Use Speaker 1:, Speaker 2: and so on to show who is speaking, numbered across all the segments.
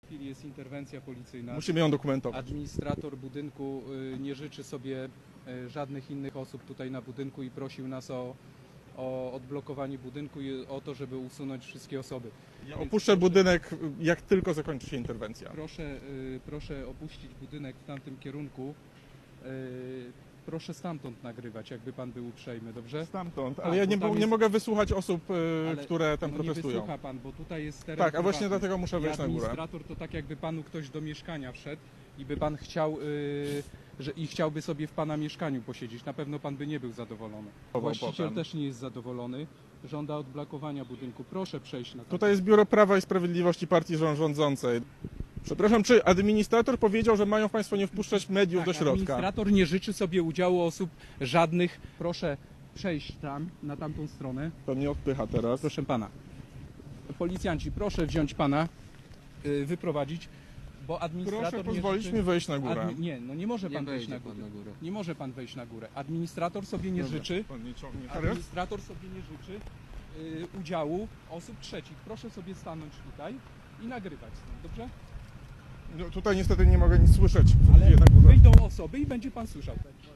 Speaker 1: W tej chwili jest interwencja policyjna.
Speaker 2: Musimy ją dokumentować.
Speaker 1: Administrator budynku nie życzy sobie żadnych innych osób tutaj na budynku i prosił nas o odblokowanie budynku i o to, żeby usunąć wszystkie osoby.
Speaker 2: Ja opuszczę budynek, jak tylko zakończy się interwencja.
Speaker 1: Proszę opuścić budynek w tamtym kierunku. Proszę stamtąd nagrywać, jakby pan był uprzejmy, dobrze?
Speaker 2: Stamtąd,
Speaker 1: Tak,
Speaker 2: ale ja
Speaker 1: bo
Speaker 2: nie,
Speaker 1: tam
Speaker 2: nie
Speaker 1: jest-
Speaker 2: mogę wysłuchać osób,
Speaker 1: Ale
Speaker 2: które tam
Speaker 1: nie
Speaker 2: protestują.
Speaker 1: wysłucha pan, bo tutaj jest teren
Speaker 2: Tak, a właśnie
Speaker 1: prywatny.
Speaker 2: dlatego muszę wejść
Speaker 1: I
Speaker 2: na górę.
Speaker 1: administrator to tak jakby panu ktoś do mieszkania wszedł i by pan chciał, chciałby sobie w pana mieszkaniu posiedzieć. Na pewno pan by nie był zadowolony. Właściciel
Speaker 2: potem.
Speaker 1: też nie jest zadowolony. Żąda odblokowania budynku. Proszę przejść na
Speaker 2: Tutaj jest Biuro Prawa i Sprawiedliwości partii rządzącej. Przepraszam, czy administrator powiedział, że mają państwo nie wpuszczać mediów do środka?
Speaker 1: Administrator nie życzy sobie udziału osób żadnych. Proszę przejść tam, na tamtą stronę.
Speaker 2: To mnie odpycha teraz.
Speaker 1: Proszę pana. Policjanci, proszę wziąć pana, wyprowadzić, bo administrator
Speaker 2: Proszę
Speaker 1: nie
Speaker 2: pozwolić
Speaker 1: życzy...
Speaker 2: mi wejść na górę.
Speaker 1: Nie, no nie może pan wejść na górę. Nie może pan wejść na górę. Administrator sobie nie życzy.
Speaker 2: Pan nie ciągnie teraz?
Speaker 1: Administrator sobie nie życzy udziału osób trzecich. Proszę sobie stanąć tutaj i nagrywać stąd, dobrze?
Speaker 2: No, tutaj niestety nie mogę nic słyszeć.
Speaker 1: Ale
Speaker 2: Na górze.
Speaker 1: wyjdą osoby i będzie pan słyszał.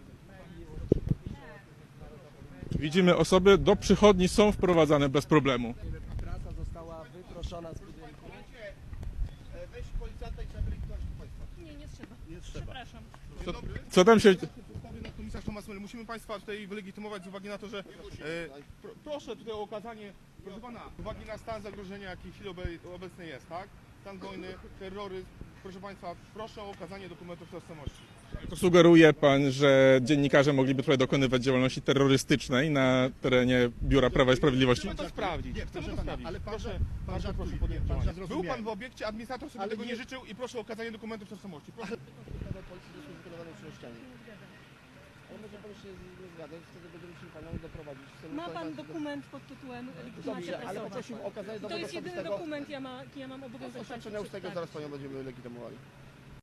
Speaker 2: Widzimy, osoby do przychodni są wprowadzane bez problemu.
Speaker 3: Trasa została wyproszona z budynku.
Speaker 4: Weź policjanta i trzeba wylegitymować państwa.
Speaker 5: Nie trzeba.
Speaker 4: Nie trzeba.
Speaker 5: Przepraszam.
Speaker 2: Co, co tam się...
Speaker 4: Komisarz Tomasz Myl, musimy państwa tutaj wylegitymować z uwagi na to, że proszę tutaj o okazanie, proszę pana, z uwagi na stan zagrożenia, jaki w chwili obecnej jest, tak? Stan wojny, terroryzm, proszę państwa, proszę o okazanie dokumentów tożsamości.
Speaker 2: To sugeruje pan, że dziennikarze mogliby tutaj dokonywać działalności terrorystycznej na terenie Biura Prawa i Sprawiedliwości?
Speaker 4: Chcemy to sprawdzić, chcemy to sprawdzić.
Speaker 3: ale pan
Speaker 4: Proszę,
Speaker 3: pan
Speaker 4: bardzo
Speaker 3: żartuje,
Speaker 4: proszę podjąć
Speaker 3: pan
Speaker 4: działania.
Speaker 3: zrozumiał.
Speaker 4: Był pan w obiekcie, administrator sobie
Speaker 3: Ale
Speaker 4: tego
Speaker 3: nie-
Speaker 4: nie życzył i proszę o okazanie dokumentów tożsamości. Proszę.
Speaker 3: Ustawa policji do służby kierowanej czynnościami. Ale może pan się nie zgadzać, wtedy będziemy musieli panią doprowadzić. w celu
Speaker 5: Ma pan
Speaker 3: ustalenia-
Speaker 5: dokument pod tytułem legitymacja
Speaker 3: Dobrze, ale
Speaker 5: prasowa.
Speaker 3: poprosimy o okazanie
Speaker 5: To
Speaker 3: dowodu
Speaker 5: jest jedyny
Speaker 3: osobistego.
Speaker 5: dokument, jaki ja mam obowiązek
Speaker 3: Oświadczenia
Speaker 5: państwu
Speaker 3: ustnego,
Speaker 5: przedstawić.
Speaker 3: zaraz panią będziemy legitymowali.